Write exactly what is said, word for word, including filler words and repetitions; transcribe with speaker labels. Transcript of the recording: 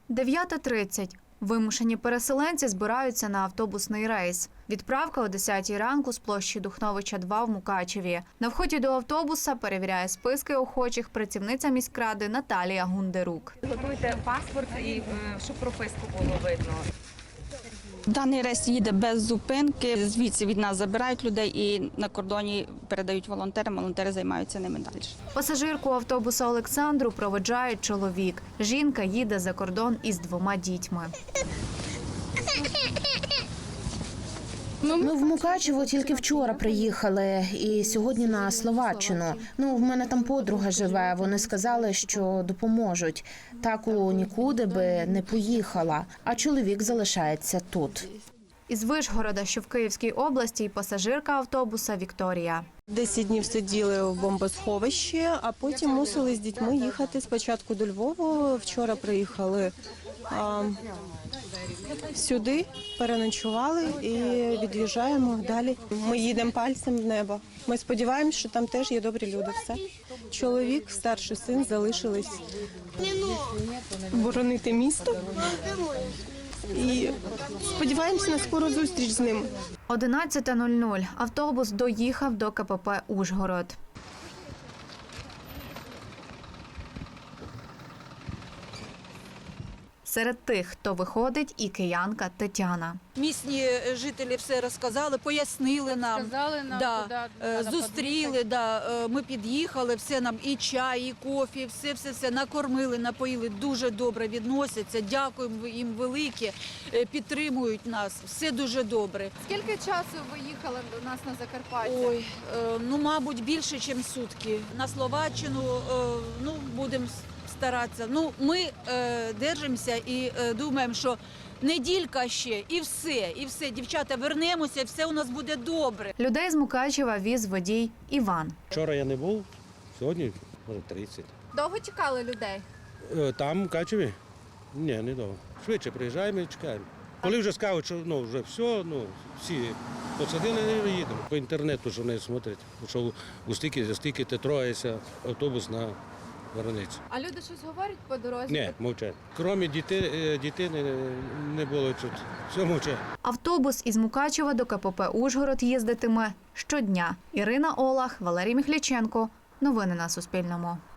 Speaker 1: дев'ята тридцять. Вимушені переселенці збираються на автобусний рейс. Відправка о десятій ранку з площі Духновича два в Мукачеві. На вході до автобуса перевіряє списки охочих працівниця міськради Наталія Гундерук.
Speaker 2: Готуйте паспорт, і щоб прописку було видно.
Speaker 3: Даний рейс їде без зупинки. Звідси від нас забирають людей і на кордоні передають волонтерам. Волонтери займаються ними далі.
Speaker 1: Пасажирку автобуса Олександру проведжає чоловік. Жінка їде за кордон із двома дітьми.
Speaker 4: Ми в Мукачево тільки вчора приїхали і сьогодні на Словаччину. Ну, в мене там подруга живе, вони сказали, що допоможуть. Таку нікуди би не поїхала, а чоловік залишається тут.
Speaker 1: Із Вишгорода, що в Київській області, пасажирка автобуса Вікторія.
Speaker 5: Десять днів сиділи в бомбосховищі, а потім мусили з дітьми їхати спочатку до Львова. Вчора приїхали а, сюди, переночували і від'їжджаємо далі. Ми їдемо пальцем в небо. Ми сподіваємося, що там теж є добрі люди. Все. Чоловік, старший син залишились боронити місто. І сподіваємося на скору зустріч з ним.
Speaker 1: одинадцята нуль нуль. Автобус доїхав до ка пе пе «Ужгород». Серед тих, хто виходить, і киянка Тетяна.
Speaker 6: Місні жителі все розказали, пояснили нам,
Speaker 7: Сказали нам,
Speaker 6: да,
Speaker 7: куди
Speaker 6: е,
Speaker 7: треба
Speaker 6: зустріли, да, е, ми під'їхали, все нам і чай, і кофі, все, все, все накормили, напоїли, дуже добре відносяться, дякуємо їм велике, е, підтримують нас, все дуже добре.
Speaker 7: Скільки часу ви їхали до нас на Закарпаття?
Speaker 6: Ой, е, ну, мабуть, більше, ніж сутки. На Словаччину, е, ну, будемо старатися. Ну, ми е, держимося і е, думаємо, що неділька ще, і все, і все. Дівчата, вернемося, і все у нас буде добре.
Speaker 1: Людей з Мукачева віз водій Іван.
Speaker 8: Вчора я не був, сьогодні може тридцять.
Speaker 7: Довго чекали людей?
Speaker 8: Е, Там, в Мукачеві? Ні, не довго. Швидше приїжджаємо і чекаємо. Коли вже скажуть, що ну, вже все, ну, всі посадили, не їдемо. По інтернету ж вони смотрять, що у стільки, за стільки ти троєшся автобус на границю.
Speaker 7: А люди щось говорять по дорозі?
Speaker 8: Ні, мовчать. Крім дітей, дітей не, не було чути. Все мовчать.
Speaker 1: Автобус із Мукачева до ка пе пе «Ужгород» їздитиме щодня. Ірина Олах, Валерій Міхліченко. Новини на Суспільному.